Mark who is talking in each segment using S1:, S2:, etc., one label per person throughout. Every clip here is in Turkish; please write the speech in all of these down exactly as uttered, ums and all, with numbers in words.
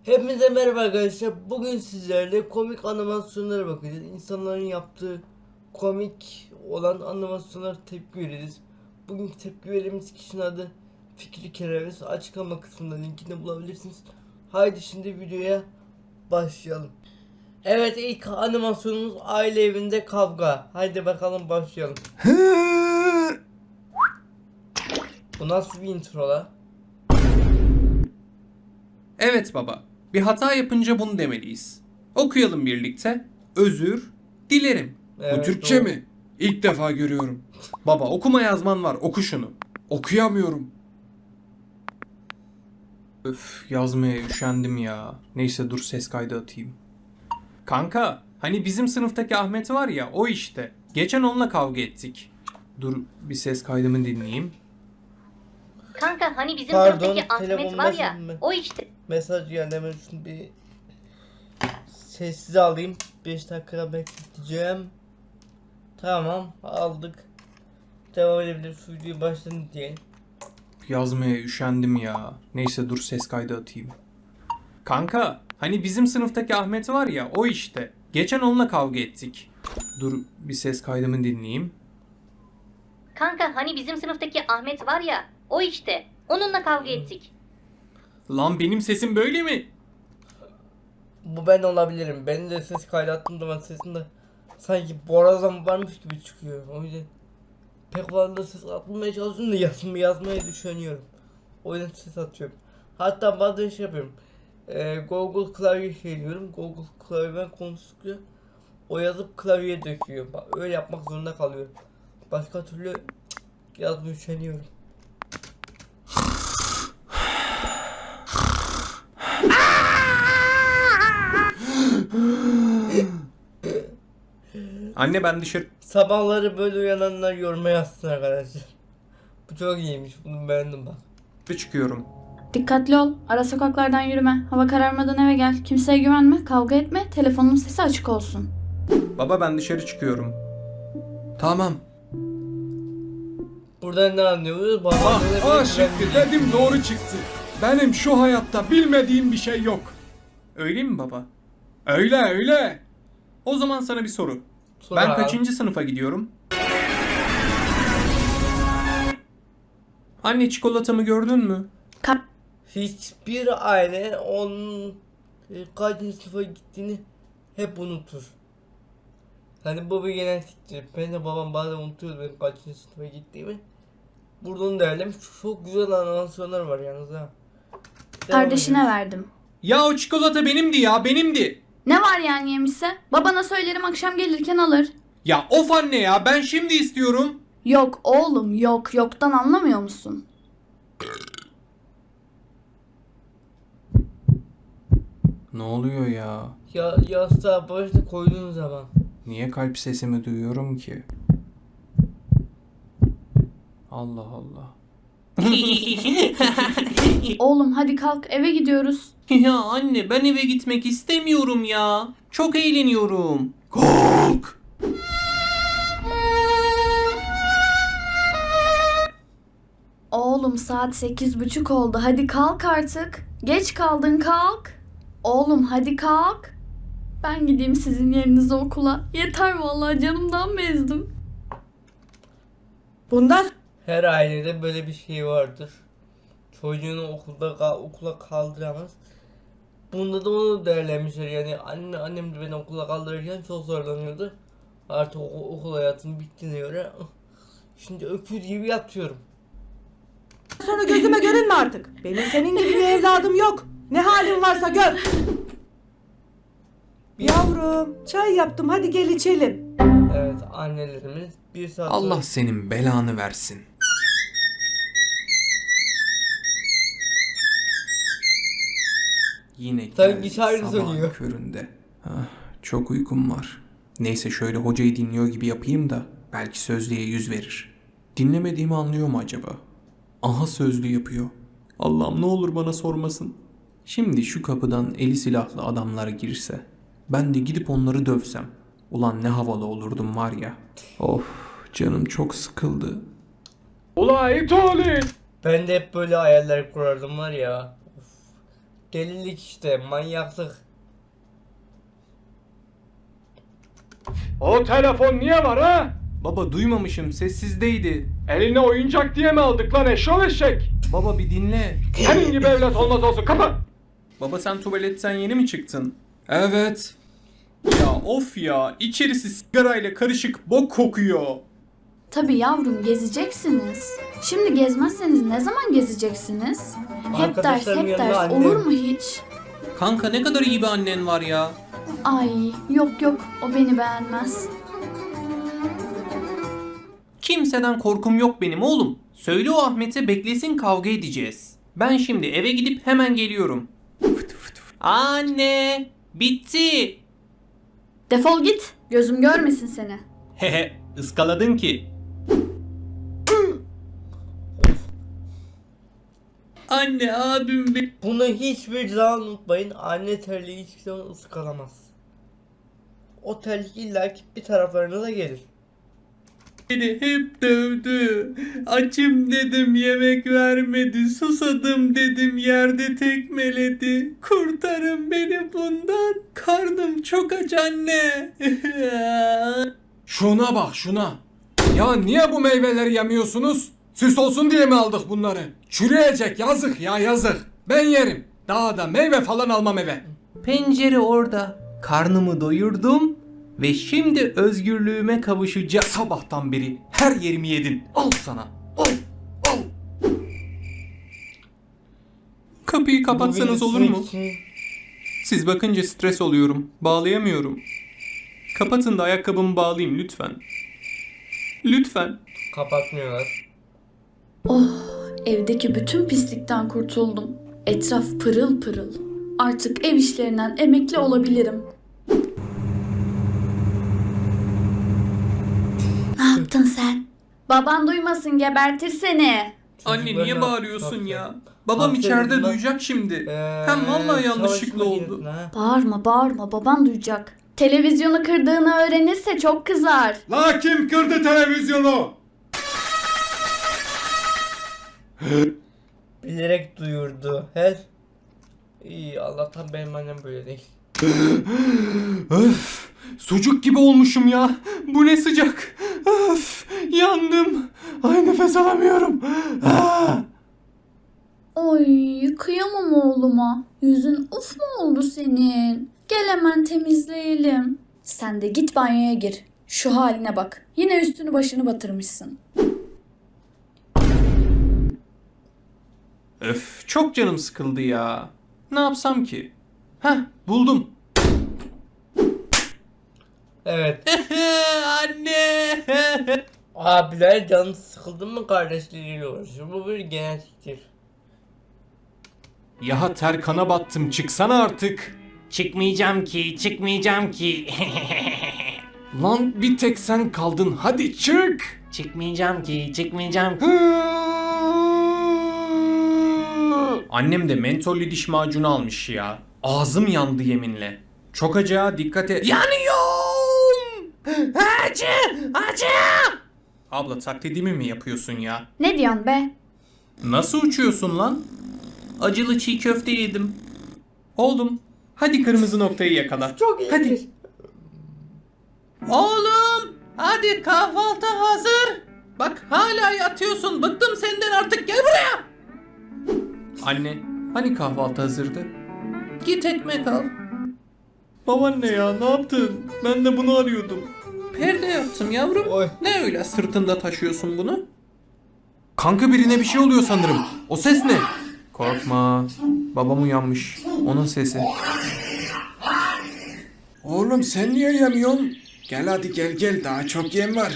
S1: Hepinize merhaba arkadaşlar. Bugün sizlerle komik animasyonlara bakacağız. İnsanların yaptığı komik olan animasyonlara tepki veririz. Bugünkü tepki verdiğimiz kişinin adı Fikri Kereviz. Açıklama kısmında linkini bulabilirsiniz. Haydi şimdi videoya başlayalım. Evet, ilk animasyonumuz aile evinde kavga. Haydi bakalım başlayalım. Bu nasıl bir intro la?
S2: Evet baba. Bir hata yapınca bunu demeliyiz. Okuyalım birlikte. Özür dilerim.
S1: Evet,
S3: Bu Türkçe
S1: doğru.
S3: mi? İlk defa görüyorum.
S2: Baba okuma yazman var. Oku şunu.
S3: Okuyamıyorum.
S2: Öf, yazmaya üşendim ya. Neyse dur ses kaydı atayım. Kanka hani bizim sınıftaki Ahmet var ya, o işte. Geçen onunla kavga ettik. Dur bir ses kaydımı dinleyeyim.
S4: Kanka hani bizim
S1: Pardon,
S4: sınıftaki Ahmet
S1: telefonum
S4: var ya,
S1: başladı mı?
S4: o işte.
S1: Mesaj geldi, hemen şunu bir sessize alayım. beş dakika bekleteceğim. Tamam, aldık. Devam edebilir. Şu videoyu baştan diyelim.
S2: Yazmaya üşendim ya. Neyse dur ses kaydı atayım. Kanka hani bizim sınıftaki Ahmet var ya, o işte. Geçen onunla kavga ettik. Dur bir ses kaydımı dinleyeyim.
S4: Kanka hani bizim sınıftaki Ahmet var ya, o işte. Onunla kavga ettik.
S2: Lan benim sesim böyle mi?
S1: Bu ben olabilirim. Benim de ses kaydattığım zaman sesimde sanki borazan varmış gibi çıkıyor. O yüzden pek fazla ses atmaya çalışıyorum da yazma, yazmaya düşünüyorum. O yüzden ses atıyorum. Hatta bazen şey yapıyorum. Ee, Google klavye şey diyorum. Google klavyeden konuştukça o yazıp klavyeye döküyor. Bak, öyle yapmak zorunda kalıyorum. Başka türlü cık, yazmaya üşeniyorum.
S2: Anne ben dışarı
S1: Sabahları böyle uyananlar yoruma yazsın arkadaşlar. Bu çok iyiymiş. Bunu beğendim bak.
S2: çıkıyorum.
S5: Dikkatli ol. Ara sokaklardan yürüme. Hava kararmadan eve gel. Kimseye güvenme. Kavga etme. Telefonun sesi açık olsun.
S2: Baba ben dışarı çıkıyorum.
S3: Tamam.
S1: Buradan ne anlıyoruz? Baba
S3: Ah,
S1: böyle
S3: ah
S1: bir
S3: şimdi
S1: güvenli-
S3: dedim doğru çıktı. Benim şu hayatta bilmediğim bir şey yok.
S2: Öyle mi baba?
S3: Öyle öyle.
S2: O zaman sana bir soru.
S1: Sonra
S2: Ben
S1: abi,
S2: kaçıncı sınıfa gidiyorum? Anne çikolatamı gördün mü?
S5: Ka-
S1: hiçbir aile onun e, kaçıncı sınıfa gittiğini hep unutur. Hani bu bir genetiktir. Ben de babam bazen unutuyordu benim kaçıncı sınıfa gittiğimi. Burada onu değerlemiş. Çok güzel animasyonlar var yalnız ha. Devam
S5: Kardeşine
S1: ediyoruz.
S5: verdim.
S2: Ya o çikolata benimdi ya, benimdi.
S5: Ne var yani yemişse? Babana söylerim akşam gelirken alır.
S2: Ya of anne ya, ben şimdi istiyorum.
S5: Yok oğlum yok. Yoktan anlamıyor musun?
S2: Ne oluyor ya?
S1: Ya yastığa başta koyduğun zaman.
S2: Niye kalp sesimi duyuyorum ki? Allah Allah.
S5: Oğlum hadi kalk eve gidiyoruz.
S2: Ya anne ben eve gitmek istemiyorum ya. Çok eğleniyorum.
S3: Kalk.
S5: Oğlum saat sekiz buçuk oldu. Hadi kalk artık. Geç kaldın kalk. Oğlum hadi kalk. Ben gideyim sizin yerinize okula. Yeter vallahi canımdan bezdim.
S6: Bundan
S1: Her ailede böyle bir şey vardır. Çocuğunu okulda ka- okula kaldıramaz. Bunda da onu değerlenmişler, yani anne annem de beni okula kaldırırken çok zorlanıyordu. Artık okul, okul hayatım bittiğine göre şimdi öküz gibi yatıyorum.
S6: sonra gözüme görünme artık. Benim senin gibi bir evladım yok. Ne halin varsa gör. Yavrum, çay yaptım. Hadi gel içelim.
S1: Evet, annelerimiz bir saat
S2: Allah
S1: sonra-
S2: senin belanı versin. Yine
S1: Sanki
S2: geldik
S1: şarkı
S2: sabahın
S1: söylüyor.
S2: köründe. Ah, çok uykum var. Neyse şöyle hocayı dinliyor gibi yapayım da belki sözlüğe yüz verir. Dinlemediğimi anlıyor mu acaba? Aha sözlü yapıyor. Allah'ım ne olur bana sormasın. Şimdi şu kapıdan eli silahlı adamlar girse, ben de gidip onları dövsem. Ulan ne havalı olurdum var ya. Of canım çok sıkıldı.
S3: Ula it olin.
S1: Ben de hep böyle hayaller kurardım var ya. Of. Delilik işte, manyaklık.
S3: O telefon niye var ha?
S2: Baba duymamışım, sessizdeydi.
S3: Eline oyuncak diye mi aldık lan eşşol eşek?
S2: Baba bir dinle.
S3: Senin gibi evlat olmaz olsun, kapat.
S2: Baba sen tuvaletten yeni mi çıktın? Evet. Ya of ya, içerisi sigarayla karışık bok kokuyor.
S5: Tabii yavrum, gezeceksiniz. Şimdi gezmezseniz ne zaman gezeceksiniz? Hep ders,
S1: Arkadaşlarım
S5: hep
S1: yanında
S5: ders.
S1: annem.
S5: Olur mu hiç?
S2: Kanka ne kadar iyi bir annen var ya.
S5: Ay yok yok, o beni beğenmez.
S2: Kimseden korkum yok benim oğlum. Söyle o Ahmet'e beklesin, kavga edeceğiz. Ben şimdi eve gidip hemen geliyorum. Anne, bitti.
S5: Defol git, gözüm görmesin seni.
S2: Hehe, ıskaladın ki. Anne, abim be-
S1: Bunu hiçbir zaman unutmayın. Anne terliği hiçbir zaman ıskalamaz. O terlik illa ki bir taraflarınıza gelir.
S2: beni hep dövdü. Açım dedim, yemek vermedi. Susadım dedim, yerde tekmeledi. Kurtarın beni bundan. Karnım çok aç anne.
S3: Şuna bak şuna. Ya niye bu meyveleri yemiyorsunuz? Süs olsun diye mi aldık bunları? Çürüyecek, yazık ya yazık. Ben yerim. Daha da meyve falan almam eve.
S2: Pencere orada. Karnımı doyurdum ve şimdi özgürlüğüme kavuşacağım. Sabahtan beri her yerimi yedin. Al sana. Al. Al. Kapıyı kapatsanız
S1: Bu
S2: olur mu?
S1: için
S2: Siz bakınca stres oluyorum. Bağlayamıyorum. Kapatın da ayakkabımı bağlayayım lütfen. Lütfen.
S1: kapatmıyorlar.
S5: Evdeki bütün pislikten kurtuldum. Etraf pırıl pırıl. Artık ev işlerinden emekli olabilirim. Ne yaptın sen? Baban duymasın, gebertir seni.
S2: Anne
S1: Çocuklar
S2: niye
S1: ne
S2: bağırıyorsun
S1: yaptı?
S2: ya? Babam
S1: Aferin
S2: içeride
S1: lan.
S2: duyacak şimdi.
S1: Ee,
S2: Hem vallahi yanlışlıkla
S1: çalışma
S2: oldu.
S1: girdin ha.
S5: Bağırma bağırma, baban duyacak. Televizyonu kırdığını öğrenirse çok kızar.
S3: La kim kırdı televizyonu?
S1: Bilerek duyurdu. Her İyi, Allah'tan benim annem böyle değil.
S2: Öf, sucuk gibi olmuşum ya. Bu ne sıcak. Öf, yandım. Ay nefes alamıyorum. Ah!
S5: Oy, kıyamam oğluma. Yüzün uf mu oldu senin? Gel hemen temizleyelim. Sen de git banyoya gir. Şu haline bak. Yine üstünü başını batırmışsın.
S2: Öf, çok canım sıkıldı ya. Ne yapsam ki? Heh, buldum.
S1: Evet.
S2: Anne.
S1: Abiler canı sıkıldı mı kardeşleriyle uğraşıyor. Bu bir genetiktir.
S3: Ya ter kana battım, çıksana artık.
S7: Çıkmayacağım ki, çıkmayacağım ki.
S3: Lan bir tek sen kaldın, hadi çık.
S7: çıkmayacağım ki, çıkmayacağım ki.
S2: Annem de mentollü diş macunu almış ya. Ağzım yandı yeminle. Çok acı ha, dikkat et. Yanıyorum! Acı! Acı! Abla taklidimi mi yapıyorsun ya?
S5: Ne diyorsun be?
S2: Nasıl uçuyorsun lan? Acılı çiğ köfte yedim. Oğlum, hadi kırmızı noktayı yakala.
S1: Çok iyi.
S2: Hadi. Oğlum, hadi kahvaltı hazır. Bak hala yatıyorsun. Bıktım senden artık. Gel buraya. Anne, hani kahvaltı hazırdı? Git ekmek al. Babaanne ya, ne yaptın? Ben de bunu arıyordum. Perde yaptım yavrum.
S1: Oy.
S2: Ne öyle sırtında taşıyorsun bunu? Kanka birine bir şey oluyor sanırım. O ses ne? Korkma. Babam uyanmış. Onun sesi.
S3: Oğlum sen niye yemiyorsun? Gel hadi gel gel, daha çok yem var.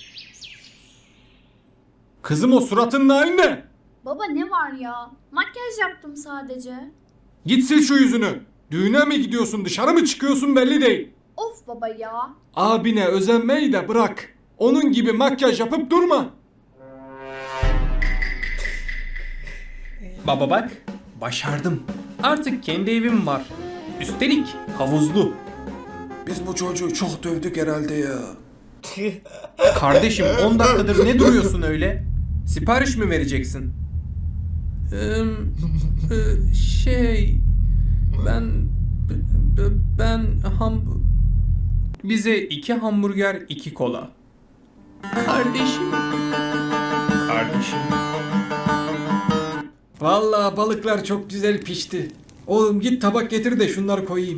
S3: Kızım o suratın aynı.
S5: Baba ne var ya? Makyaj yaptım sadece.
S3: Git sil şu yüzünü. Düğüne mi gidiyorsun, dışarı mı çıkıyorsun belli değil.
S5: Of baba ya.
S3: Abine özenmeyi de bırak. Onun gibi makyaj yapıp durma.
S2: Baba bak, başardım. Artık kendi evim var. Üstelik havuzlu.
S3: Biz bu çocuğu çok dövdük herhalde ya.
S2: Kardeşim on dakikadır ne duruyorsun öyle? Sipariş mi vereceksin? Ee, e, şey... Bize iki hamburger, iki kola. Kardeşim. Kardeşim.
S3: Vallahi balıklar çok güzel pişti. Oğlum git tabak getir de şunları koyayım.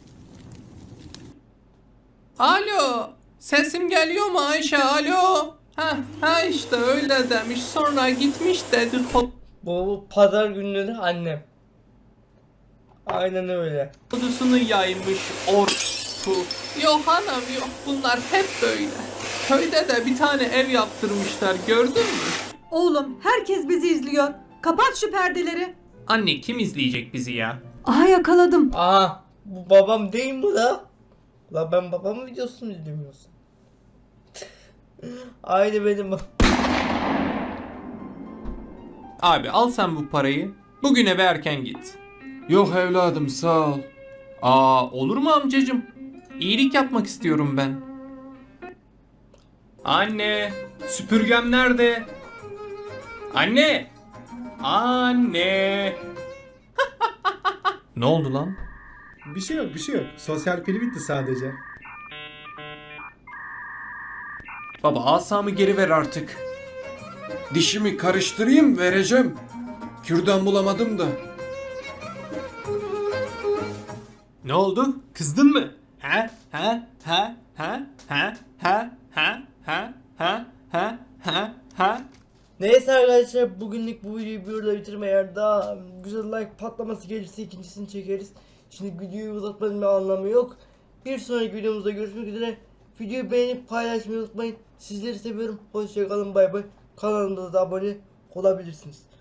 S2: Alo. Sesim geliyor mu Ayşe? Alo. Ha, ha işte öyle demiş. Sonra gitmiş dedi.
S1: Bu pazar günleri annem. Aynen öyle.
S2: Kodusunu yaymış orku. Yok hanım yok. Bunlar hep böyle. Köyde de bir tane ev yaptırmışlar. Gördün mü?
S6: Oğlum herkes bizi izliyor. Kapat şu perdeleri.
S2: Anne kim izleyecek bizi ya?
S6: Aha yakaladım.
S1: Aha bu babam değil mi la? La ben babamın videosunu izlemiyorsun. Aynı benim.
S2: Abi al sen bu parayı. Bugün eve erken git.
S3: Yok evladım sağ ol.
S2: Aa olur mu amcacım? İyilik yapmak istiyorum ben. Anne, süpürgem nerede? Anne! Anne! Ne oldu lan?
S8: Bir şey yok, bir şey yok. Sosyal pili bitti sadece.
S2: Baba asamı geri ver artık.
S3: Dişimi karıştırayım vereceğim. Kürdan bulamadım da.
S2: Ne oldu? Kızdın mı? Ha? Ha? Ha? Ha? Ha? Ha? Ha? Ha? Ha? Ha? Ha? Ha?
S1: Neyse arkadaşlar bugünlük bu videoyu burada bitirme, eğer daha güzel like patlaması gelirse ikincisini çekeriz. Şimdi videoyu uzatmanın bir anlamı yok. Bir sonraki videomuzda görüşmek üzere. Videoyu beğenip paylaşmayı unutmayın. Sizleri seviyorum. Hoşçakalın, bay bay. Kanalımıza da abone olabilirsiniz.